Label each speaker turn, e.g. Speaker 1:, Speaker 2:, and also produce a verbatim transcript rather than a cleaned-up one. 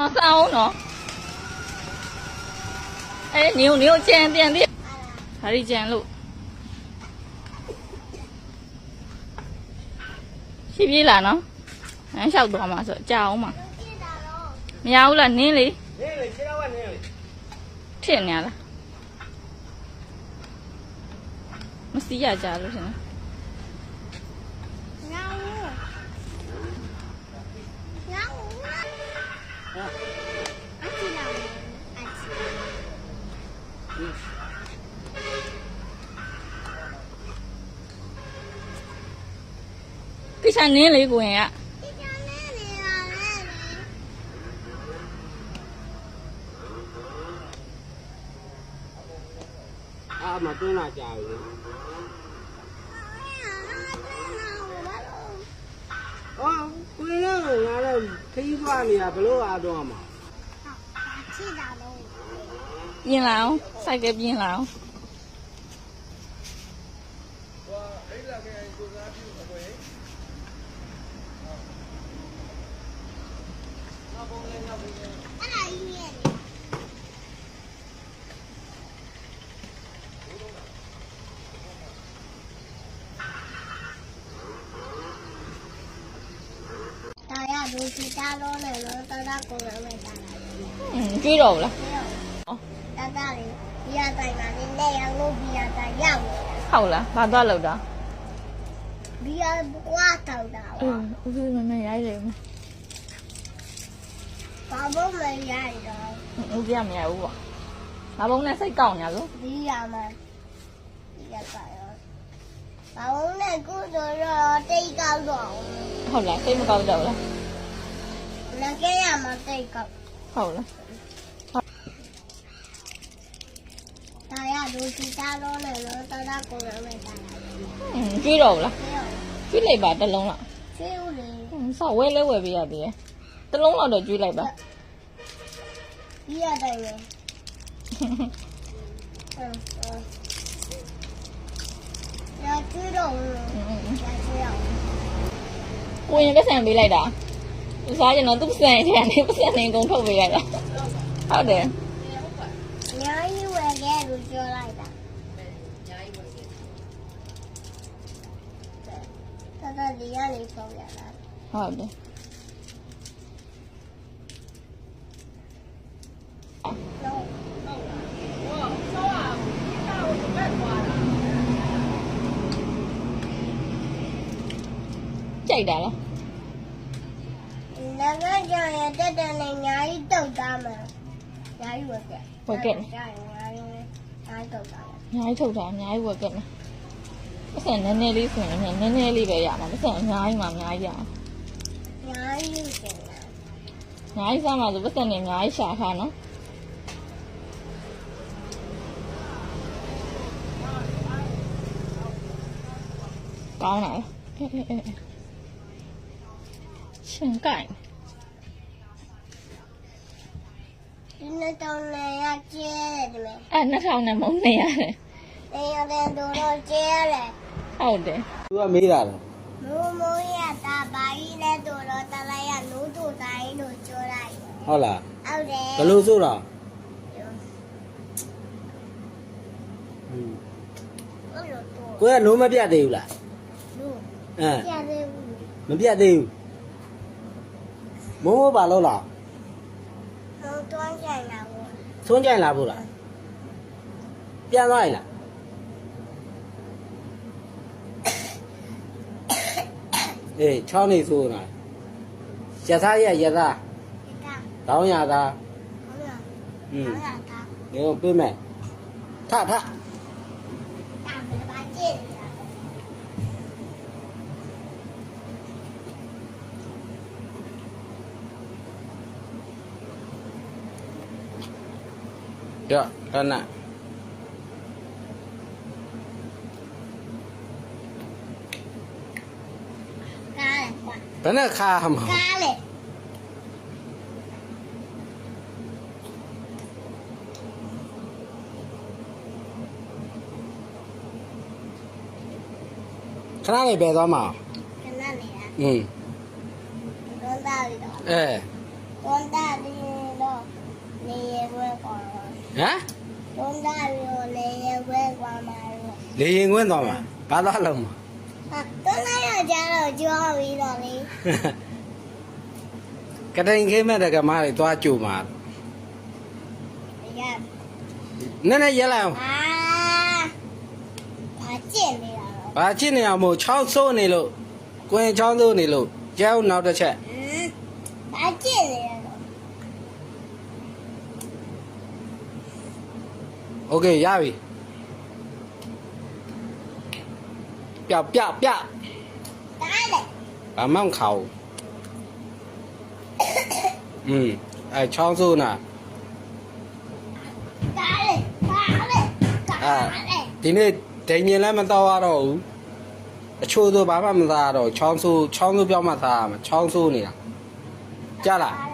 Speaker 1: sao nó ê nhiều nhiều chen tiền đi hãy đi chen luôn chi phí là nó anh sao đồ mà sợ chao mà nhau là ní lý chuyện nhà là nó xí à chả luôn hả cái sao ní lý của ạ
Speaker 2: à mà tôi là chào ơ quên rồi là là thấy qua thì à bữa à đồ mà
Speaker 1: nhìn nào sai kẹp nhìn nào
Speaker 3: Đôi khi ta lo này nó ta đã cố gắng mày ta lại.
Speaker 1: Ừ, truy đồ là.
Speaker 3: Ta ta đi, bây giờ tại mà đi đây ăn luôn bây giờ tại giàu.
Speaker 1: Hậu là, bao nhiêu lâu đó?
Speaker 3: Bây giờ quá thầu đó.
Speaker 1: Ừ, ừ mày mày ai rồi mà.
Speaker 3: Ba bố mày ai rồi?
Speaker 1: Ừ, kia mày ai vậy? Ba bố này xây cầu nhà luôn.
Speaker 3: Bây giờ mà, bây giờ phải rồi. Ba bố này cứ rồi rồi đi cầu rồi.
Speaker 1: Hậu là xây một cầu đầu là.
Speaker 3: Là cái nhà mà đi cầu.
Speaker 1: Hậu là.
Speaker 3: Tại à đôi khi ta lo này nó ta đã cố gắng mày ta lại.
Speaker 1: Ừ, truy đồ là. Truy lại bà tên luôn ạ.
Speaker 3: Truy đi.
Speaker 1: Ừ, sao quên lấy quên bây giờ đi. Tên luôn là được truy lại bà.
Speaker 3: Bây giờ đây này. Ừ, ừ. Là truy đồ. Là truy đồ.
Speaker 1: Quên cái xe bị lại đã. Sao cho nó túc xe thì anh em cái xe này cũng không bị lại đó. How để?
Speaker 3: Nhớ như vậy ghé rồi cho lại đã. Ta ta đi ăn đi không vậy đó.
Speaker 1: How để?
Speaker 3: No.
Speaker 1: Chạy đã đó.
Speaker 3: Là cái cho này tới đây này nhảy đầu ta mà. Nhảy vừa kìa.
Speaker 1: Vừa kìa.
Speaker 3: Nhảy đầu ta.
Speaker 1: Nhái thâu ra nhái vừa kìa. Cái xe nè nè đi xe nè nè nè đi về nhà mà cái xe nhái mà nhái ra.
Speaker 3: Nhảy như kìa.
Speaker 1: Nhái sao mà rồi cái xe này nhái xả khả nó. Con này. Chân cảnh.
Speaker 3: Nó trong này là che rồi mẹ.
Speaker 1: À nó sau này món nè này.
Speaker 3: Đây là đèn đồ đồ che này.
Speaker 1: Hậu để.
Speaker 2: tôi mấy là
Speaker 3: Nú mũi à ta bái lên đồ đồ ta lại à nú đồ tay đồ cho lại.
Speaker 2: ho là
Speaker 3: Ao đè.
Speaker 2: cái lô số rồi quên nó mới biết điều là à mới biết điều muốn bà lâu là xuống chạy là vừa là biết nói là ê cho này số này sẽ thay ya ya ra tao nhà ta ừ nếu biết mẹ thả thả được cân nè cái này khá hầm cái này bé đó mà
Speaker 3: cái này
Speaker 2: ừ
Speaker 3: con ta đi đó
Speaker 2: ê
Speaker 3: con ta đi
Speaker 2: hả
Speaker 3: con ta rồi lấy quên qua mà rồi
Speaker 2: đi yên quên rồi mà ba đó lòng
Speaker 3: à con nói là cha rồi chưa bị rồi đi
Speaker 2: cái đây cái mà được cái mà thì toa chủ mà
Speaker 3: bây giờ
Speaker 2: nên này dễ làm
Speaker 3: à bà chuyện này rồi
Speaker 2: bà chỉ này một cháu số này luôn quên cháu số này luôn cháu nào đó chạy
Speaker 3: bà chuyện này rồi
Speaker 2: ok ra đi bẹo bẹo bẹo
Speaker 3: cái này
Speaker 2: bà mong khẩu ừ ai cháu số nè
Speaker 3: cái này cái này cái này
Speaker 2: thì này tự nhiên là mình tao rồi chua tôi bà mà ra rồi cháu số cháu số béo mà ra mà cháu số này chả là